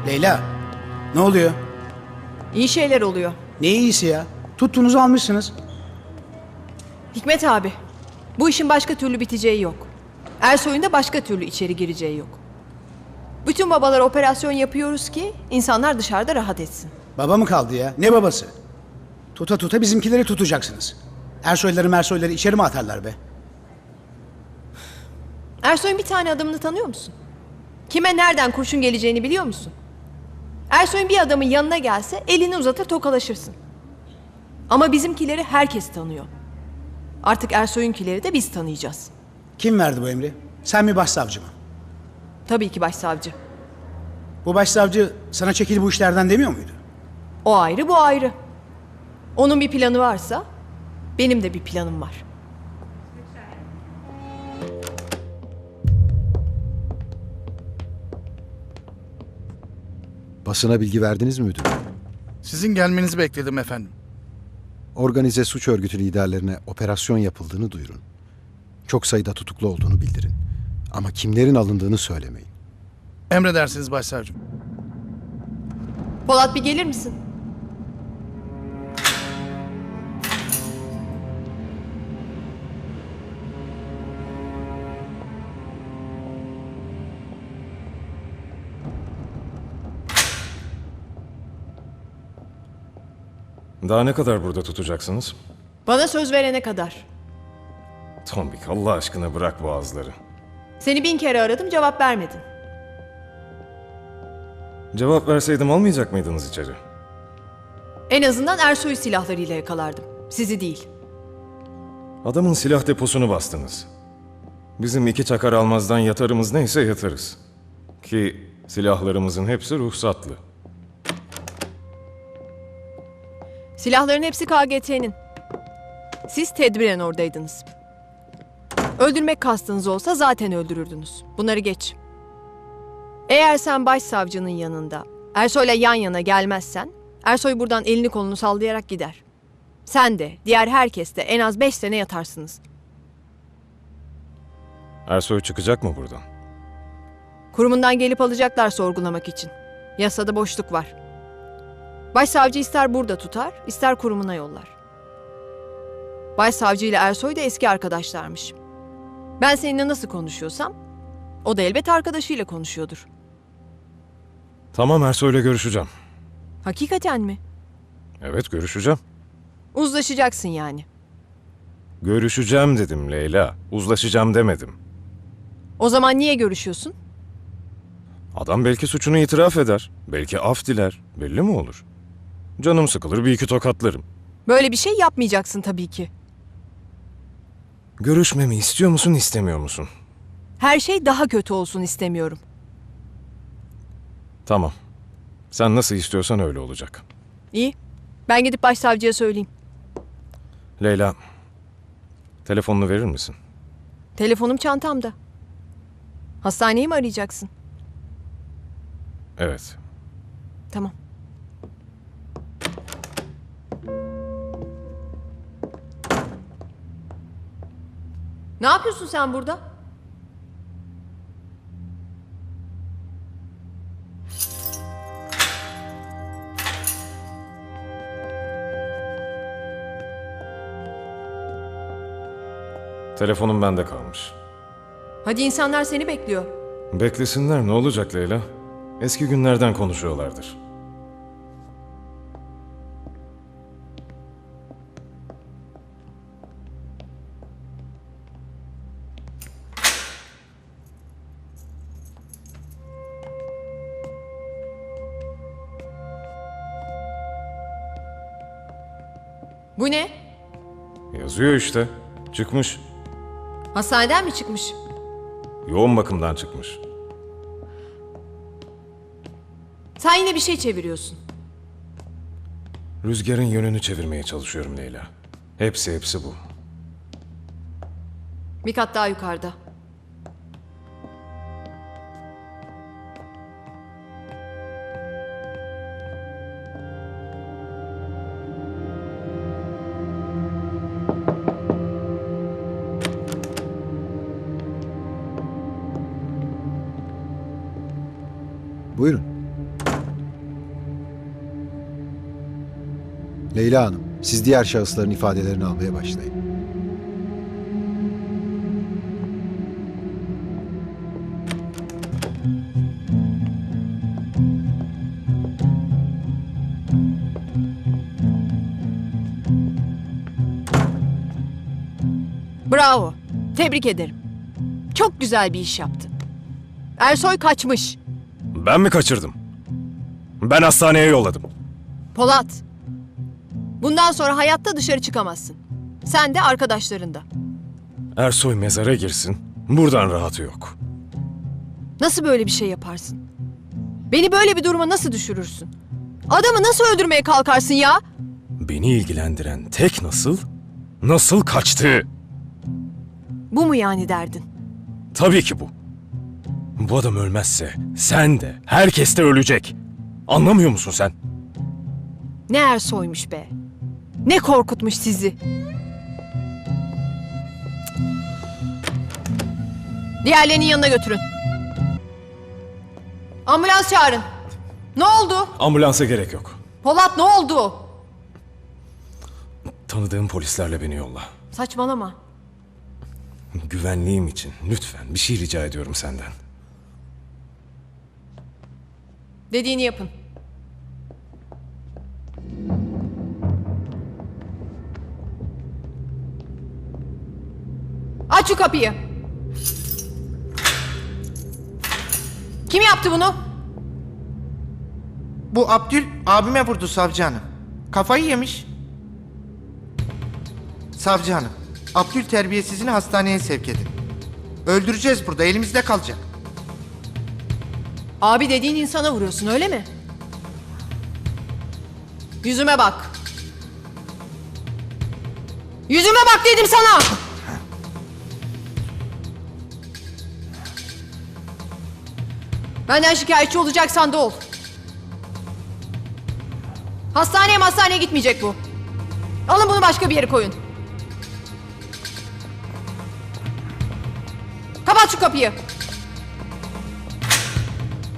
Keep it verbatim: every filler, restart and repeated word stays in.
Leyla, ne oluyor? İyi şeyler oluyor. Ne iyisi ya? Tuttuğunuzu almışsınız. Hikmet abi, bu işin başka türlü biteceği yok. Ersoy'un da başka türlü içeri gireceği yok. Bütün babalar operasyon yapıyoruz ki insanlar dışarıda rahat etsin. Baba mı kaldı ya? Ne babası? Tuta tuta bizimkileri tutacaksınız. Ersoyları mersoyları içeri mi atarlar be? Ersoy'un bir tane adamını tanıyor musun? Kime nereden kurşun geleceğini biliyor musun? Ersoy'un bir adamın yanına gelse elini uzatır tokalaşırsın. Ama bizimkileri herkes tanıyor. Artık Ersoy'unkileri de biz tanıyacağız. Kim verdi bu emri? Sen mi başsavcı mı? Tabii ki başsavcı. Bu başsavcı sana çekil bu işlerden demiyor muydu? O ayrı, bu ayrı. Onun bir planı varsa benim de bir planım var. Basına bilgi verdiniz mi müdürüm? Sizin gelmenizi bekledim efendim. Organize suç örgütü liderlerine operasyon yapıldığını duyurun. Çok sayıda tutuklu olduğunu bildirin. Ama kimlerin alındığını söylemeyin. Emredersiniz başsavcım. Polat bir gelir misin? Daha ne kadar burada tutacaksınız? Bana söz verene kadar. Tombik, Allah aşkına bırak boğazları. Seni bin kere aradım, cevap vermedin. Cevap verseydim almayacak mıydınız içeri? En azından Ersoy silahlarıyla yakalardım. Sizi değil. Adamın silah deposunu bastınız. Bizim iki çakar almazdan yatarımız neyse yatarız. Ki silahlarımızın hepsi ruhsatlı. Silahların hepsi K G T'nin. Siz tedbiren oradaydınız. Öldürmek kastınız olsa zaten öldürürdünüz. Bunları geç. Eğer sen başsavcının yanında Ersoy'la yan yana gelmezsen Ersoy buradan elini kolunu sallayarak gider. Sen de diğer herkes de en az beş sene yatarsınız. Ersoy çıkacak mı buradan? Kurumundan gelip alacaklar sorgulamak için. Yasada boşluk var. Başsavcı ister burada tutar, ister kurumuna yollar. Başsavcı ile Ersoy da eski arkadaşlarmış. Ben seninle nasıl konuşuyorsam, o da elbet arkadaşıyla konuşuyordur. Tamam, Ersoy'la görüşeceğim. Hakikaten mi? Evet, görüşeceğim. Uzlaşacaksın yani. Görüşeceğim dedim Leyla. Uzlaşacağım demedim. O zaman niye görüşüyorsun? Adam belki suçunu itiraf eder. Belki af diler. Belli mi olur? Canım sıkılır, bir iki tokatlarım. Böyle bir şey yapmayacaksın tabii ki. Görüşmemi istiyor musun, istemiyor musun? Her şey daha kötü olsun istemiyorum. Tamam. Sen nasıl istiyorsan öyle olacak. İyi. Ben gidip başsavcıya söyleyeyim. Leyla, telefonunu verir misin? Telefonum çantamda. Hastaneyi mi arayacaksın? Evet. Tamam. Ne yapıyorsun sen burada? Telefonum bende kalmış. Hadi insanlar seni bekliyor. Beklesinler, ne olacak Leyla? Eski günlerden konuşuyorlardır. Bu ne? Yazıyor işte. Çıkmış. Hastaneden mi çıkmış? Yoğun bakımdan çıkmış. Sen yine bir şey çeviriyorsun. Rüzgarın yönünü çevirmeye çalışıyorum Leyla. Hepsi hepsi bu. Bir kat daha yukarıda. Buyurun. Leyla Hanım, siz diğer şahısların ifadelerini almaya başlayın. Bravo. Tebrik ederim. Çok güzel bir iş yaptın. Ersoy kaçmış. Ben mi kaçırdım? Ben hastaneye yolladım. Polat. Bundan sonra hayatta dışarı çıkamazsın. Sen de arkadaşların da. Ersoy mezara girsin. Buradan rahatı yok. Nasıl böyle bir şey yaparsın? Beni böyle bir duruma nasıl düşürürsün? Adamı nasıl öldürmeye kalkarsın ya? Beni ilgilendiren tek nasıl, nasıl kaçtığı. Bu mu yani derdin? Tabii ki bu. Bu adam ölmezse sen de, herkes de ölecek. Anlamıyor musun sen? Ne Ersoy'muş be. Ne korkutmuş sizi. Diğerlerinin yanına götürün. Ambulans çağırın. Ne oldu? Ambulansa gerek yok. Polat ne oldu? Tanıdığım polislerle beni yolla. Saçmalama. Güvenliğim için lütfen bir şey rica ediyorum senden. Dediğini yapın. Aç şu kapıyı. Kim yaptı bunu? Bu Abdül abime vurdu savcı hanım. Kafayı yemiş. Savcı hanım, Abdül terbiyesizini hastaneye sevk edin. Öldüreceğiz burada, elimizde kalacak. Abi dediğin insana vuruyorsun öyle mi? Yüzüme bak. Yüzüme bak dedim sana. Benden şikayetçi olacaksan da ol. Hastaneye hastaneye gitmeyecek bu. Alın bunu başka bir yere koyun. Kapat şu kapıyı.